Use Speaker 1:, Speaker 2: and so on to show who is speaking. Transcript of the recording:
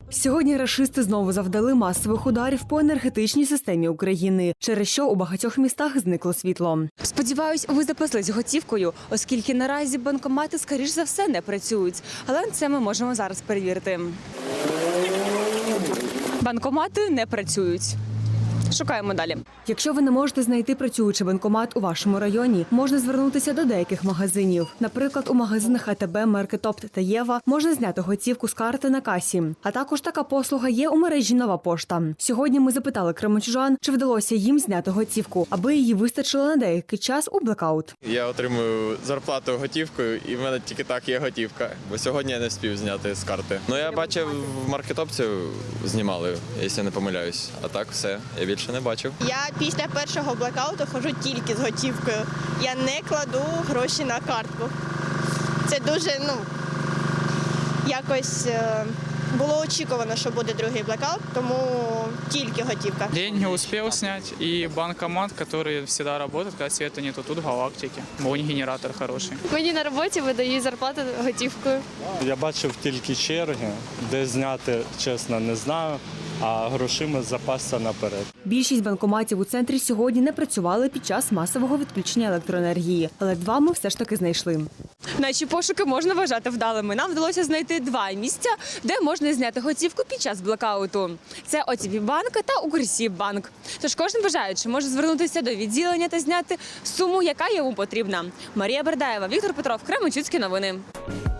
Speaker 1: Сьогодні рашисти знову завдали масових ударів по енергетичній системі України, через що у багатьох містах зникло світло. Сподіваюсь, ви запаслись готівкою, оскільки наразі банкомати, скоріш за все, не працюють. Але це ми можемо зараз перевірити. Банкомати не працюють. Шукаємо далі. Якщо ви не можете знайти працюючий банкомат у вашому районі, можна звернутися до деяких магазинів. Наприклад, у магазинах АТБ, Меркетопт та Єва можна зняти готівку з карти на касі. А також така послуга є у мережі «Нова пошта». Сьогодні ми запитали кременчужан, чи вдалося їм зняти готівку, аби її вистачило на деякий час у блекаут.
Speaker 2: Я отримую зарплату готівкою, і в мене тільки так є готівка, бо сьогодні я не встиг зняти з карти. Ну, я бачив, в Маркетопці знімали, якщо не помиляюсь. А так все, я більше не бачив.
Speaker 3: Я після першого блекауту ходжу тільки з готівкою. Я не кладу гроші на картку. Це дуже, якось було очікувано, що буде другий блекаут, тому тільки готівка.
Speaker 4: Деньги успел снять, и банкомат, который всегда работает, когда света нету, тут в галактике. Мой генератор хороший.
Speaker 5: Мені на роботі видають зарплату готівкою.
Speaker 6: Я бачив тільки черги, де зняти, чесно, не знаю, а грошима запасся наперед.
Speaker 1: Більшість банкоматів у центрі сьогодні не працювали під час масового відключення електроенергії, але два ми все ж таки знайшли. Наші пошуки можна вважати вдалими. Нам вдалося знайти два місця, де можна зняти готівку під час блекауту. Це ОТБ-банк та Укрсіббанк. Тож кожен бажаючий може звернутися до відділення та зняти суму, яка йому потрібна. Марія Бердаєва, Віктор Петров, Кременчуцькі новини.